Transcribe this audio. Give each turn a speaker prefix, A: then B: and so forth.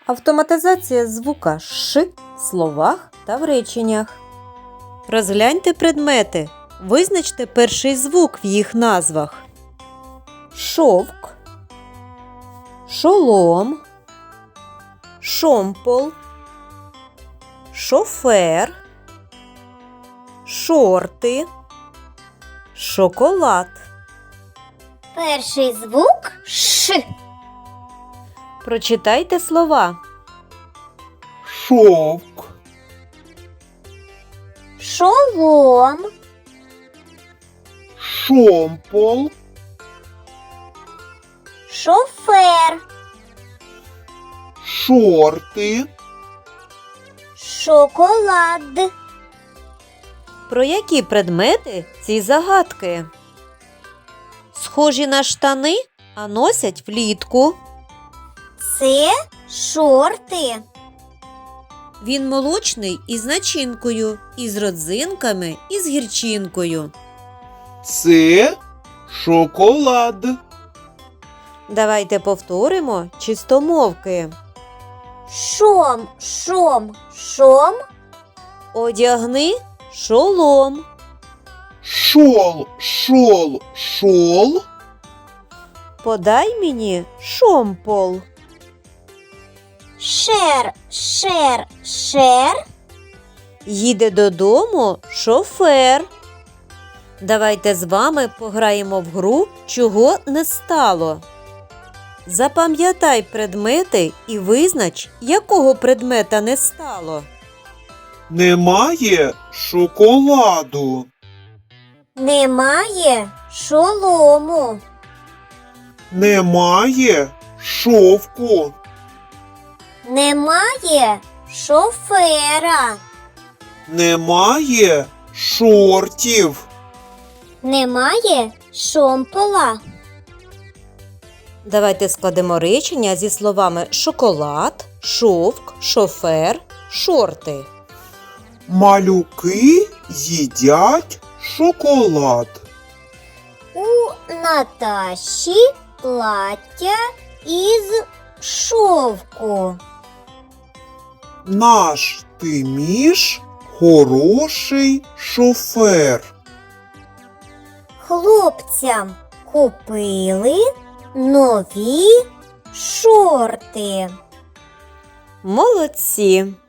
A: Автоматизація звука «ш» в словах та в реченнях. Розгляньте предмети. Визначте перший звук в їх назвах. Шовк, шолом, шомпол, шофер, шорти, шоколад.
B: Перший звук Ш.
A: Прочитайте слова.
C: Шовк,
B: Шолом,
C: шомпол,
B: шофер,
C: шорти.
B: шоколад.
A: Про які предмети ці загадки? Схожі на штани, а носять влітку.
B: Це шорти.
A: Він молочний із начинкою, із родзинками і з гірчинкою.
C: Це шоколад.
A: Давайте повторимо чистомовки.
B: Шом, шом, шом.
A: Одягни шолом.
C: Шол, шол, шол.
A: Подай мені шомпол.
B: Шер, шер, шер.
A: Їде додому шофер. Давайте з вами пограємо в гру «Чого не стало?». Запам'ятай предмети і визнач, якого предмета не стало.
C: Немає шоколаду.
B: Немає шолому.
C: Немає шовку.
B: Немає шофера.
C: Немає шортів.
B: Немає шомпола.
A: Давайте складемо речення зі словами шоколад, шовк, шофер, шорти.
C: Малюки їдять шоколад.
B: У Наташі плаття із шовку.
C: Наш Тиміш хороший шофер.
B: Хлопцям купили нові шорти.
A: Молодці!